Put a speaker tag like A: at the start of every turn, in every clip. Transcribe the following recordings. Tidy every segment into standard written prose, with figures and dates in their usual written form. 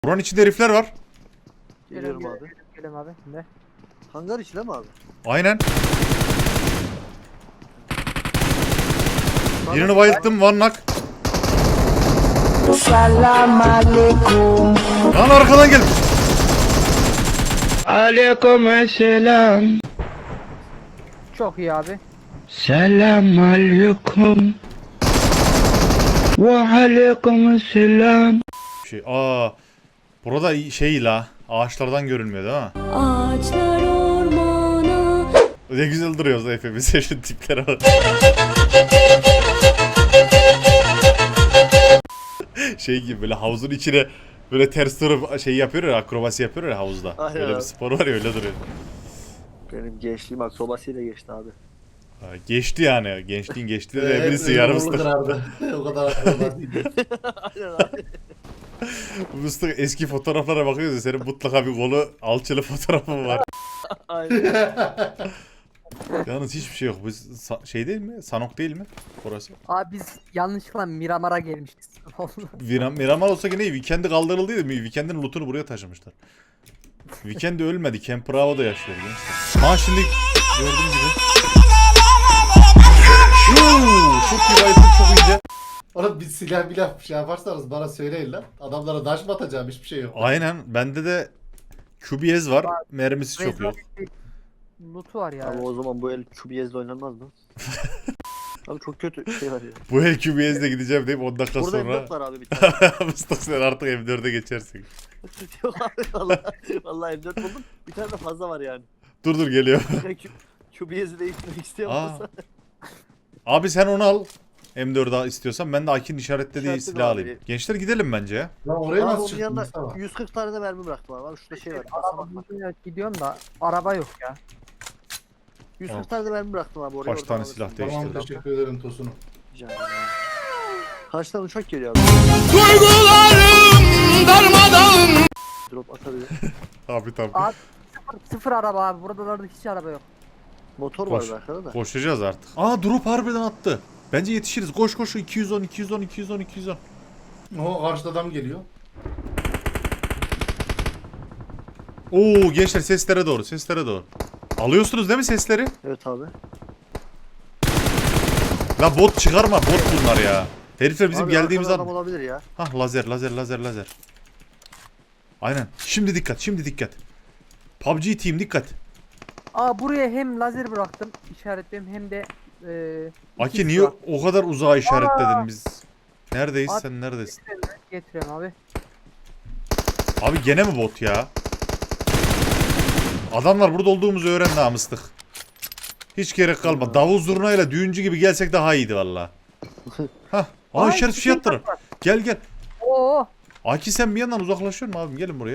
A: Buranın içinde herifler var.
B: Geliyorum abi.
C: Geliyorum abi. Ne?
B: Hangar içinde mi abi?
A: Aynen. Birini bayılttım, one knock.
D: Selam aleyküm.
A: Lan arkadan gel.
D: Aleykümselam.
C: Çok iyi abi.
D: Selam aleyküm. Ve aleykümselam.
A: Burada şey la. Ağaçlardan görünmüyor değil mi?
E: Ağaçlar ormana.
A: Ne güzel duruyoruz hepimiz. Şu tiplere bak. Şey gibi böyle havuzun içine böyle ters durup şey yapıyor ya, akrobasi yapıyor ya havuzda.
B: Aynen
A: Öyle bir
B: abi.
A: spor var ya, öyle duruyor.
B: Benim gençliğim akrobasiyle geçti abi.
A: Ha, geçti yani. Gençliğin geçti de birisi yarım ıslık.
F: O kadar akıllı değil.
B: Aynen abi.
A: Mıstık eski fotoğraflara bakıyoruz ya, senin mutlaka bir kolu alçılı fotoğrafın var.
B: Aynen.
A: Yalnız hiçbir şey yok. Bu şey değil mi? Sanok değil mi? Orası.
C: Abi biz yanlışlıkla Miramar'a gelmişiz.
A: Miramar olsa gene iyi. Weekend'i kaldırıldıydı. Weekend'in lootunu buraya taşımışlar. Weekend ölmedi. Camp Bravo'da yaşıyor gençler. Ha şimdi gördüğüm gibi. Çok iyi bayıldım, çok iyice.
F: Oğlum bir silah bir şey yaparsanız bana söyleyin lan. Adamlara daş mı atacağım, hiçbir şey yok.
A: Aynen. Bende de QBS var. Mermisi çok yok.
C: Loot'u var ya.
B: Abi o zaman bu el QBS'de oynanmaz mı? Abi çok kötü şey var ya.
A: Bu el QBS'de gideceğim deyip 10 dakika
B: Burada
A: sonra.
B: M4 var abi bir tane.
A: Mıstık sen artık M4'e geçersin.
B: Yok abi vallahi M4 buldum. Bir tane de fazla var yani.
A: Dur geliyor.
B: QBS'i değiştirmek isteyen
A: Aa.
B: olursa.
A: Abi sen onu al. M4'ü istiyorsan ben de Akin işaretlediği
B: İşaretli
A: silah
B: abi.
A: alayım. Gençler gidelim bence ya.
F: Lan oraya
B: Abi
F: nasıl
B: onun
F: çıktın
B: yanında
F: Mustafa?
B: 140 tane de mermi bıraktım abi. Abi şurada şey var.
C: Araba bulunca gidiyorum da araba yok ya.
B: 140 tane de mermi bıraktım abi oraya.
A: Kaç tane
B: oradan
A: silah
B: alırsın.
A: değişti?
F: Tamam, teşekkür ederim Tosun'um.
B: Rica ederim abi. Karşıdan uçak geliyor abi. Drop atabilir.
A: Abi tabii.
C: Abi sıfır araba abi. Buralarda hiç araba yok.
B: Motor
A: Koş.
B: var arkada da.
A: Koşacağız artık. Aa drop harbiden attı. Bence yetişiriz. Koş 210.
F: O karşıda adam geliyor.
A: Oo gençler seslere doğru. Alıyorsunuz değil mi sesleri?
B: Evet abi.
A: La bot çıkarma, bot bunlar ya. Herifler bizim
B: Abi
A: geldiğimiz
B: arkada
A: an.
B: adam olabilir ya.
A: Hah lazer. Aynen. Şimdi dikkat. PUBG team dikkat.
C: Aa buraya hem lazer bıraktım işaretliyorum hem de
A: Aki
C: iki
A: niye
C: silah
A: o kadar uzağa işaretledin biz? Neredeyiz,
C: Abi-
A: sen neredesin?
C: getiriyorum abi.
A: Abi gene mi bot ya? Adamlar burada olduğumuzu öğrendi ha mıstık. Hiç gerek kalmadı. Davul zurnayla düğüncü gibi gelsek daha iyiydi valla. Hah. Aa
C: Ay,
A: işaret fişi attırır.
C: var.
A: Gel.
C: Oo.
A: Aki sen bir yandan uzaklaşıyor musun abim? Gelin buraya.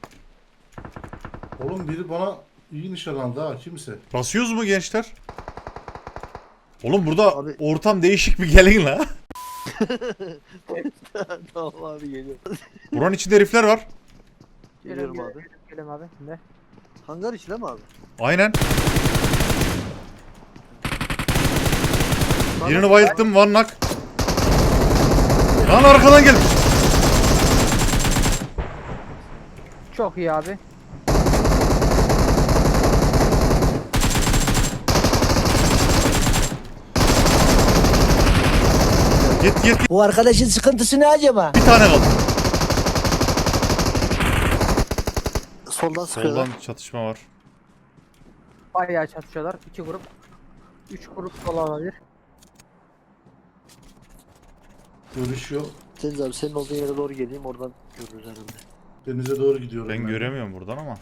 F: Oğlum biri bana iyi nişan aldı ha, kimse.
A: Basıyoruz mu gençler? Oğlum burada
B: Abi-
A: ortam değişik, bir gelin la.
B: Tamam abi geliyor.
A: Buranın içinde herifler var.
B: Geliyorum abi.
C: Geliyorum abi. Ne?
B: Hangar içinde mi abi?
A: Aynen. Birini bayılttım, one knock. Lan arkadan gel.
C: Çok iyi abi.
A: Git.
D: Bu arkadaşın sıkıntısı ne acaba?
A: Bir tane kaldı.
B: Soldan sıkıyorlar.
A: Soldan çatışma var.
C: Bayağı çatışıyorlar. 2 grup. 3 grup olabilir.
F: Görüş yok.
B: Deniz abi senin olduğun yere doğru geleyim oradan görürüz herhalde.
F: Denize doğru gidiyorum.
A: Ben göremiyorum buradan ama.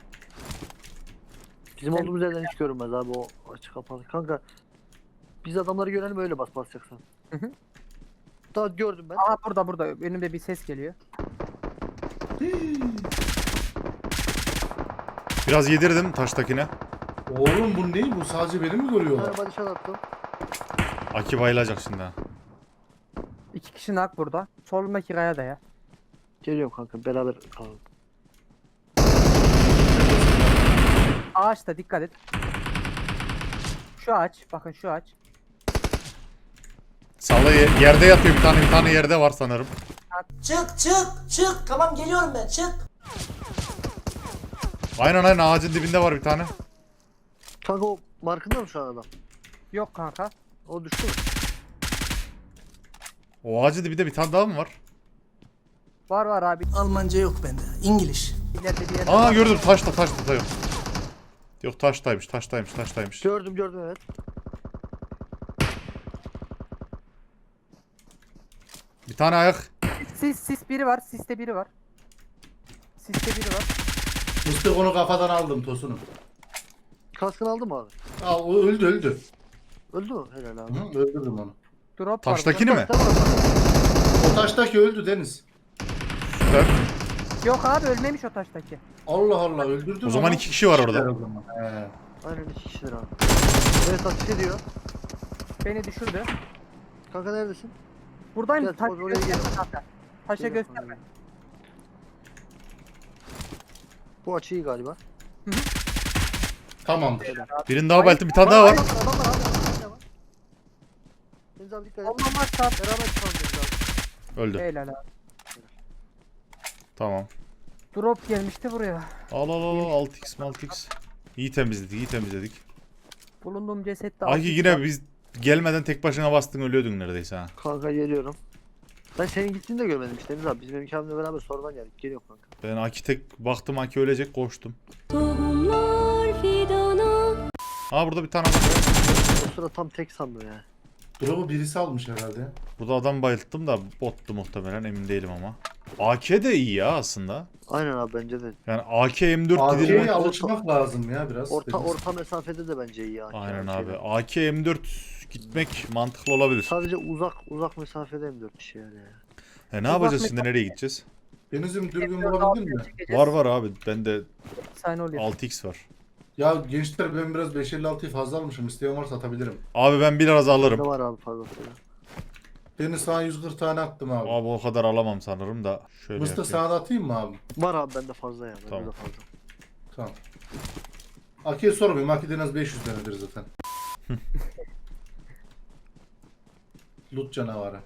B: Bizim olduğumuz yerden hiç görünmez abi o açık kapalı. Kanka biz adamları görelim öyle basacaksın.
C: Hı hı.
B: Daha gördüm ben.
C: Aa burada. Önümde bir ses geliyor.
A: Biraz yedirdim taştakine.
F: Oğlum bu ne? Bu sadece beni mi görüyorlar?
B: Araba nişan attım.
A: Aki bayılacak şimdi ha.
C: 2 kişi nak burada. Solundaki kaya da ya.
B: Geliyorum kanka beraber kalalım.
C: Ağaçta dikkat et. Şu ağaç. Bakın şu ağaç.
A: Salla yerde yatıyor, bir tane yerde var sanırım.
G: Çık. Tamam geliyorum ben. Çık.
A: Aynen ağacın dibinde var bir tane.
B: Kanka o markında mı şu an adam?
C: Yok kanka.
B: O düştü mü?
A: O ağacın dibinde bir tane daha mı var?
C: Var abi.
G: Almanca yok bende. İngiliz.
C: İleride bir yerde
A: Aa
C: var.
A: gördüm taşta yok. Yok taştaymış.
B: Gördüm evet.
A: Bir tane ayak.
C: Sis biri var. Siste biri var.
F: Mıstık onu kafadan aldım Tosun'u.
B: Kaskını aldın mı abi?
F: Aa o öldü.
B: Öldü mü? Helal abi.
F: Hı, öldürdüm onu.
C: Drop var.
A: Taştakini mi?
B: Tamam.
F: O taştaki öldü Deniz.
A: Süper.
C: Yok abi ölmemiş o taştaki.
F: Allah Allah öldürdüm.
A: O zaman
F: ama
A: 2 kişi var orada.
F: o zaman. He.
B: Aynen 2 kişidir abi. Evet ateş ediyor.
C: Beni düşürdü.
B: Kanka neredesin?
C: Buradayım.
B: Gel,
C: Taş
B: oraya
C: gösterme
B: gel.
C: kanka. Taşa
B: Gel,
C: gösterme.
B: Bu açı iyi galiba.
F: Tamamdır.
A: Birini daha belki bir tane daha var.
B: Adam var. Deniz abi dikkat et.
C: Olmam var saat.
B: Beraber çıkalım Deniz abi.
A: Öldü.
C: Helal abi.
A: Tamam.
C: Drop gelmişti buraya.
A: Al 6x. İyi temizledik.
C: Bulunduğum cesette
A: Aki yine biz gelmeden tek başına bastın ölüyordun neredeyse ha.
B: Kanka geliyorum. Ben senin gittiğini de görmedim işte Deniz abi. Biz benim abimle beraber sonradan geldik. Geliyor kanka.
A: Ben Aki tek baktım Aki ölecek koştum.
E: Tohumlar fidana.
A: Ha burada bir tane adam.
B: O sıra tam tek sandım ya.
F: Drop'u birisi almış herhalde.
A: Burada adam bayılttım da bottu muhtemelen emin değilim ama. AK de iyi ya aslında.
B: Aynen abi bence de.
A: Yani AK M4
F: AK'ye
A: gidelim.
F: alışmak lazım ya biraz. Deniz.
B: Orta mesafede de bence iyi ya.
A: Aynen abi. AK M4 gitmek mantıklı olabilir.
B: Sadece uzak mesafede M4 işi yani.
A: Ne yapacağız şimdi nereye gideceğiz?
F: Deniz'im dürbün bulabildin mi?
A: Var abi bende
C: Saniye oluyor.
A: 6x var.
F: Ya gençler ben biraz 556'yı fazla almışım. İsteyen varsa atabilirim.
A: Abi ben biraz
B: Ne
A: alırım.
B: var abi fazlasıyla.
F: Deniz sana 140 tane attım abi.
A: Abi o kadar alamam sanırım da. Şöyle
F: Mıstık
A: yapayım.
F: sana da atayım mı abi?
B: Var abi bende fazla ya. Bende
A: Tamam.
B: de fazla.
F: Tamam. Aki'ye sormayayım. Aki'de en az 500 tanedir zaten. Loot canavarı.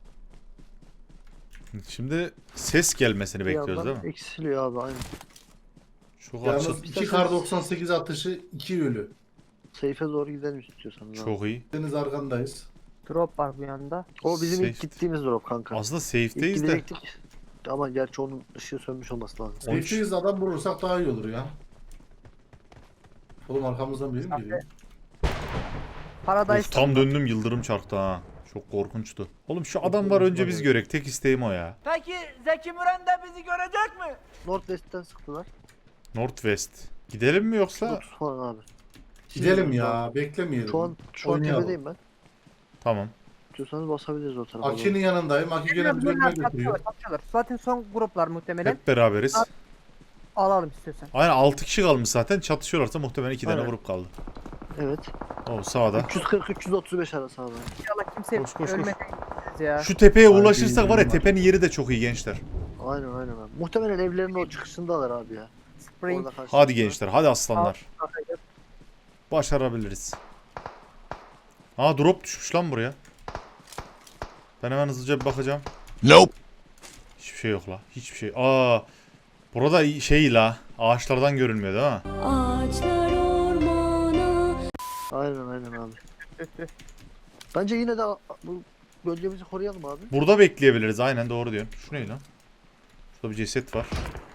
A: Şimdi ses gelmesini
B: Bir
A: bekliyoruz
B: yandan
A: değil mi?
B: Eksiliyor abi aynen.
A: Çok açıl.
F: Yalnız 2 kar 98 atışı 2 ölü.
B: Seyfe doğru gidelim istiyorsanız. abi.
A: Çok iyi.
F: Deniz arkandayız.
C: Drop var bu yanda.
B: O bizim ilk
A: Safe.
B: gittiğimiz drop kanka.
A: Aslında
B: İlk
A: safe'deyiz de.
B: gidecektik. Ama gerçi onun ışığı sönmüş olması lazım.
A: 13.
F: 500 adam vurursak daha iyi olur ya. Oğlum arkamızdan biri mi geliyor?
C: Paradise.
A: Of, tam döndüm yıldırım çarptı ha. Çok korkunçtu. Oğlum şu adam var önce biz görek. Tek isteğim o ya.
G: Peki Zeki Müren de bizi görecek mi?
B: Northwest'ten sıktılar.
A: Northwest. Gidelim mi yoksa?
B: 30 falan abi.
F: Gidelim ya. Beklemeyelim.
B: Şu an
F: Oynayalım.
B: tepedeyim ben.
A: Tamam.
B: İstiyorsanız basabiliriz o tarafa. doğru.
F: Aki'nin yanındayım. Aki gene bir bölüme götürüyor.
C: Kapışıyorlar. Zaten son gruplar muhtemelen.
A: Hep beraberiz.
C: Alalım istiyorsan.
A: Aynen 6 kişi kalmış zaten. Çatışıyorlarsa muhtemelen 2 tane
B: Aynen.
A: grup kaldı.
B: Evet.
A: O sağda.
B: 340-335 arası abi.
C: İnşallah kimse
A: Koş.
C: ölmeden gideceğiz ya.
A: Şu tepeye
F: Ay,
A: ulaşırsak var ya
F: var.
A: tepenin yeri de çok iyi gençler.
B: Aynen abi. Muhtemelen evlerin o çıkışındalar abi ya.
C: Spring.
B: Orada karşılaştılar.
A: Hadi gençler hadi aslanlar. Başarabiliriz. Aa drop düşmüş lan buraya. Ben hemen hızlıca bir bakacağım.
H: Nope.
A: Hiçbir şey yok la. Hiçbir şey. Aa. Burada şey la. Ağaçlardan görünmüyor değil mi?
E: Ağaçlar ormana.
B: Aynen abi. Bence yine de bu bölgemizi koruyalım abi.
A: Burada bekleyebiliriz. Aynen doğru diyorsun. Şu ne lan? Şurada bir ceset var.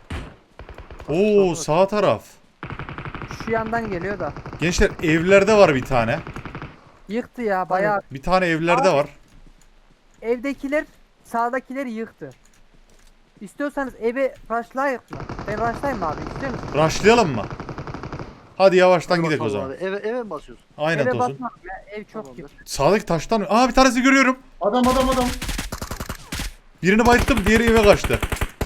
A: Oo sağ taraf.
C: Şu yandan geliyor da.
A: Gençler evlerde var bir tane.
C: Yıktı ya bayağı.
A: Bir tane evlerde var.
C: Evdekiler sağdakileri yıktı. İstiyorsanız eve rushlayık mı? Ben rushlayayım mı abi? İstiyor musun?
A: Rushlayalım mı? Hadi yavaştan
B: Hadi
A: gidelim o
B: bakalım
A: zaman.
B: abi. Eve mi basıyorsun?
A: Aynen
C: Eve
A: Tosun.
C: basmam ya. Ev çok
B: Tamamdır.
C: yıktı.
A: Sağdaki taştan... Aa bir tanesi görüyorum.
F: Adam.
A: Birini bayılttım diğeri eve kaçtı.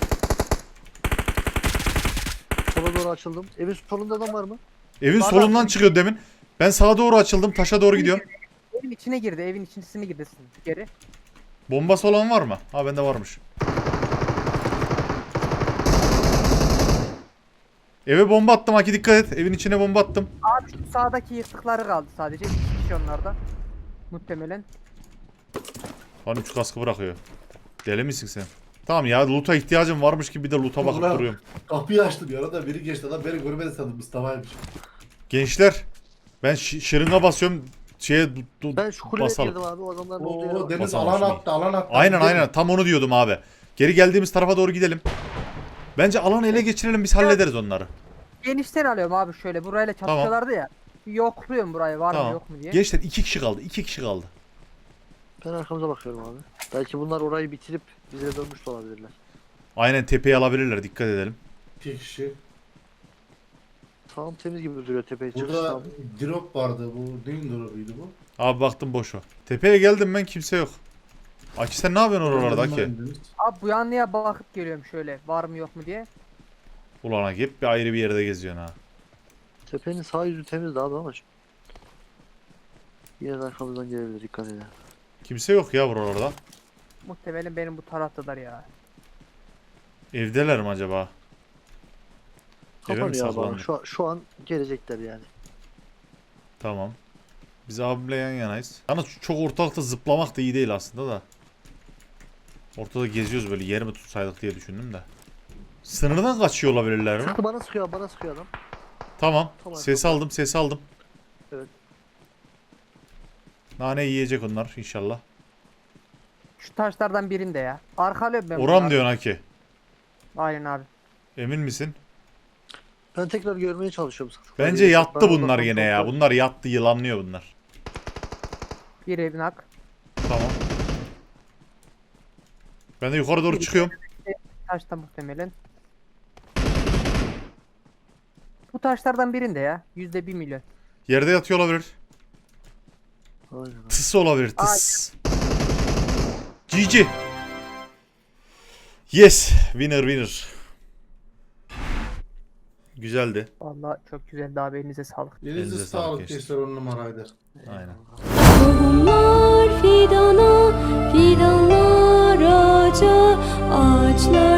B: Sola doğru açıldım. Evin solunda adam var mı?
A: Evin
C: Var,
A: solundan
C: var.
A: çıkıyor demin. Ben sağa doğru açıldım. Taşa doğru gidiyorum.
C: Evin içine girdi. Evin içine girdi geri.
A: Bombası olan var mı? Ha bende varmış. Eve bomba attım Aki dikkat et. Evin içine bomba attım.
C: Abi şu sağdaki yıktıkları kaldı sadece. 2 kişi onlarda. Muhtemelen.
A: Lan 3 kaskı bırakıyor. Deli misin sen? Tamam ya loot'a ihtiyacım varmış gibi bir de loot'a bakıp
F: Ulan.
A: duruyorum.
F: Kapıyı açtım ya arada biri geçti adam beni görmedi sandım Mustafa'ymış.
A: Gençler ben şırınga basıyorum şeye
B: Ben şu kuleye
A: basalım.
B: girdim abi o adamların olduğu yere
F: Oo
B: bak.
F: Deniz
A: Basalım
F: alan
A: şurayı.
F: attı alan attı.
A: Aynen
F: Gidelim.
A: aynen tam onu diyordum abi. Geri geldiğimiz tarafa doğru gidelim. Bence alanı ele geçirelim biz hallederiz onları.
C: Genişten alıyorum abi şöyle. Burayla çatışıyorlardı ya. Bir yokluyorum burayı var mı
A: Tamam.
C: yok mu diye.
A: Gençler 2 kişi kaldı. 2 kişi kaldı.
B: Ben arkamıza bakıyorum abi. Belki bunlar orayı bitirip bize dönmüş de olabilirler.
A: Aynen tepeyi alabilirler dikkat edelim.
F: 2 kişi.
B: Sağım temiz gibi duruyor tepeye çıkış
F: Burada
B: sağım.
F: drop vardı bu. Neyin drop'uydu bu?
A: Abi baktım boş o. Tepeye geldim ben kimse yok. Aki sen ne yapıyorsun oralarda Aki?
F: Deniz.
C: Abi bu yanlıya bakıp geliyorum şöyle. Var mı yok mu diye.
A: Ulan Aki hep bir ayrı bir yerde geziyorsun ha.
B: Tepenin sağ yüzü temizdi abi ama yine de arkamızdan gelebilir dikkat edin.
A: Kimse yok ya buralarda.
C: Muhtemelen benim bu taraftalar ya.
A: Evdeler mi acaba? Eve mi
B: Kapanıyor abi.
A: saklandı?
B: Şu an gelecekler yani.
A: Tamam. Biz abimle yan yanayız. Yalnız çok ortalıkta zıplamak da iyi değil aslında da. Ortada geziyoruz böyle yer mi tutsaydık diye düşündüm de. Sınırdan kaçıyor olabilirler mi?
B: Sıktı bana sıkıyor adam.
A: Tamam.
B: Tamam,
A: Ses
B: tamam.
A: aldım ses aldım.
B: Evet.
A: Nane yiyecek onlar inşallah.
C: Şu taşlardan birinde ya. Arkalıyorum ben
A: Oram
C: bunları.
A: diyorsun Aki.
C: Aynen abi.
A: Emin misin?
B: Ben tekrar görmeye çalışıyorum.
A: Bence yattı bunlar gene ya. Bunlar yattı yılanlıyor bunlar.
C: Bir evin hak.
A: Tamam. Ben de yukarı doğru çıkıyorum.
C: Taşta muhtemelen. Bu taşlardan birinde ya. %1 milyon.
A: Yerde yatıyor olabilir.
B: Aynen.
A: Tıs olabilir tıs. GG. Yes. Winner. Güzeldi.
C: Vallahi çok güzel abi elinize sağlık.
F: Elinize
A: Elinize sağlık
F: sağlık
A: gençler.
F: gençler 10 numaraydı.
A: Aynen.
E: Tohumlar fidana, fidanlar ağaca, ağaçlar